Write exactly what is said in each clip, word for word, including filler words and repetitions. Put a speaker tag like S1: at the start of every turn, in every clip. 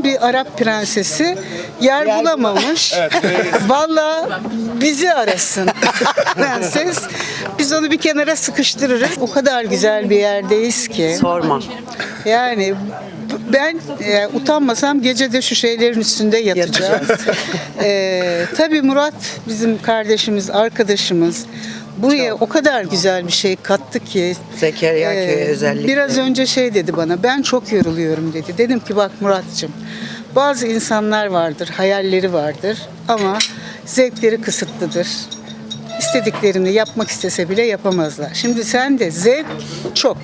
S1: duydum, bir Arap prensesi yer, yer bulamamış. Evet, vallahi bizi arasın prenses. Biz onu bir kenara sıkıştırırız. O kadar güzel bir yerdeyiz ki.
S2: Sorma.
S1: Yani ben e, utanmasam gece de şu şeylerin üstünde yatacağız. e, tabii Murat bizim kardeşimiz, arkadaşımız. Buraya Çok. o kadar güzel bir şey kattı ki.
S2: Zekeriya e, Köyü özellikle.
S1: Biraz önce şey dedi bana, ben çok yoruluyorum dedi. Dedim ki bak Murat'cığım, bazı insanlar vardır, hayalleri vardır ama zevkleri kısıtlıdır. İstediklerini yapmak istese bile yapamazlar. Şimdi sen de zevk çok,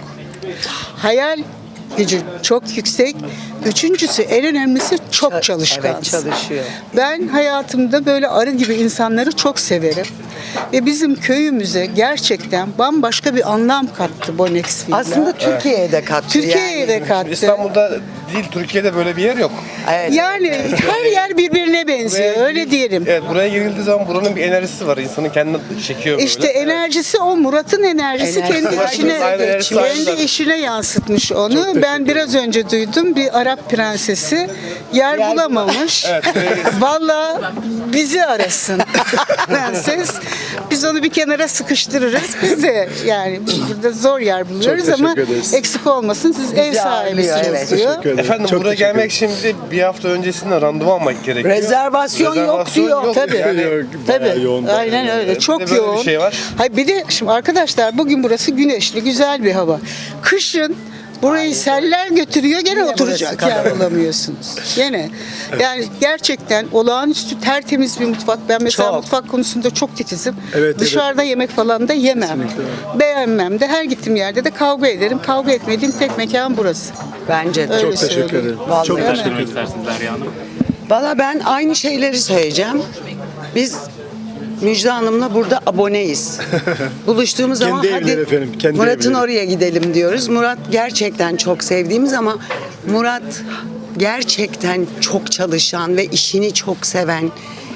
S1: hayal gücü çok yüksek. Üçüncüsü, en önemlisi çok çalışkan.
S2: Evet, çalışıyor.
S1: Ben hayatımda böyle arı gibi insanları çok severim. Ve bizim köyümüze gerçekten bambaşka bir anlam kattı Bonex Villa.
S2: Aslında Türkiye'ye de kattı.
S1: Türkiye'ye
S2: yani.
S1: de kattı.
S3: İstanbul'da değil, Türkiye'de böyle bir yer yok.
S2: Evet.
S1: Yani her yer birbirine benziyor,
S3: Buraya-
S1: öyle diyelim.
S3: Evet, buraya girildiği zaman buranın bir enerjisi var. İnsanın kendini çekiyor böyle.
S1: İşte enerjisi o, Murat'ın enerjisi
S2: Enerjisi
S1: kendi
S2: var.
S1: işine,
S3: Aynen, enerjisi var.
S1: kendi işine yansıtmış onu. Ben biraz önce duydum, bir Arap prensesi yer,
S2: Yer
S1: bulamamış.
S3: Evet,
S1: Vallahi bizi arasın prenses. Biz onu bir kenara sıkıştırırız. Biz de yani burada zor yer buluyoruz
S4: Çok
S1: ama
S4: teşekkür ederiz.
S1: eksik olmasın, siz ev
S2: ağırlıyor,
S1: sahibisiniz
S2: evet.
S1: diyor.
S4: Teşekkür ederim.
S3: Efendim
S4: Çok
S3: buraya
S4: teşekkür
S3: gelmek için bir, de bir hafta öncesinden randevu almak gerekiyor.
S2: Rezervasyon yok diyor.
S3: yok.
S1: Tabii.
S3: Yani,
S4: Yok, bayağı
S1: Tabii.
S4: yoğun.
S1: Aynen öyle.
S3: Bir de
S1: Çok
S3: böyle bir
S1: yoğun.
S3: şey var.
S1: Hayır, bir de şimdi arkadaşlar bugün burası güneşli, güzel bir hava. Kışın burayı seller götürüyor, gene
S2: Yine
S1: oturacak
S2: burası
S1: yer
S2: kadar.
S1: bulamıyorsunuz. Gene. Yani gerçekten olağanüstü tertemiz bir mutfak. Ben mesela
S2: Çok.
S1: mutfak konusunda çok titizim.
S4: Evet,
S1: Dışarıda yemek falan da yemem.
S4: Kesinlikle.
S1: Beğenmem de, her gittiğim yerde de kavga ederim. Kavga etmediğim tek mekan burası.
S2: Bence de.
S1: Öyle
S4: Çok teşekkür
S1: söyleyeyim.
S4: ederim.
S2: Vallahi.
S4: Çok
S2: Değil mi?
S4: teşekkür
S5: Söylemek
S4: ederim.
S5: istersiniz Derya Hanım.
S2: Valla ben aynı şeyleri söyleyeceğim. Biz Müjde Hanım'la burada aboneyiz. Buluştuğumuz zaman
S4: Kendi
S2: hadi
S4: evleri efendim, kendi
S2: Murat'ın
S4: evleri.
S2: oraya gidelim diyoruz. Murat gerçekten çok sevdiğimiz ama Murat gerçekten çok çalışan ve işini çok seven,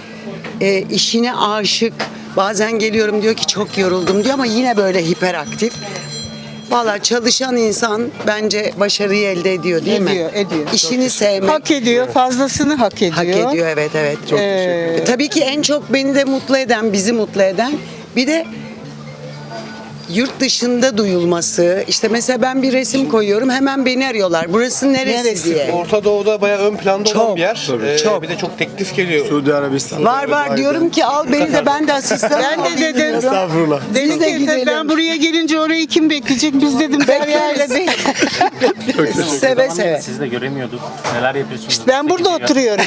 S2: e, işine aşık. Bazen geliyorum diyor ki çok yoruldum diyor ama yine böyle hiperaktif. Valla çalışan insan bence başarıyı elde ediyor değil mi?
S1: Ediyor, ediyor.
S2: İşini sevmek.
S1: Hak ediyor, fazlasını hak ediyor.
S2: Hak ediyor, evet evet. Çok
S1: Ee,
S2: E, tabii ki en çok beni de mutlu eden, bizi mutlu eden bir de yurt dışında duyulması. İşte mesela ben bir resim koyuyorum, hemen beni arıyorlar. Burası neresi,
S1: Neresi?
S2: diye.
S3: Orta Doğu'da bayağı ön planda
S2: Çok,
S3: olan bir yer.
S4: tabii.
S3: Ee,
S2: Çok.
S3: Bir de çok teklif geliyor.
S4: Suudi Arabistan.
S2: Var var diyorum ki al beni de, ben de asistan
S1: Ben de
S2: olayım
S1: dedim.
S2: diyorum.
S4: Estağfurullah.
S1: Dedim
S2: Biz de
S1: ki
S2: gidelim.
S1: ben buraya gelince orayı kim bekleyecek? Biz dedim Derya ile değil.
S4: Çok teşekkür
S2: Seve seve.
S5: Sizi de göremiyorduk. Neler yapıyorsunuz?
S1: Ben burada
S5: Peki,
S1: oturuyorum.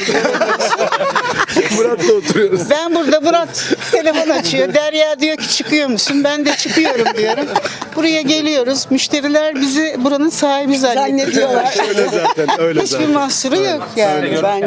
S4: Murat'la oturuyoruz.
S1: Ben burada, Murat telefon açıyor. Derya diyor ki çıkıyor musun? Ben de çıkıyorum diyorum. Buraya geliyoruz. Müşteriler bizi buranın sahibi zannediyorlar.
S2: Zannediyorlar.
S4: Öyle zaten, öyle
S1: Hiçbir
S4: zaten.
S1: mahsuru yok yani.
S2: Ben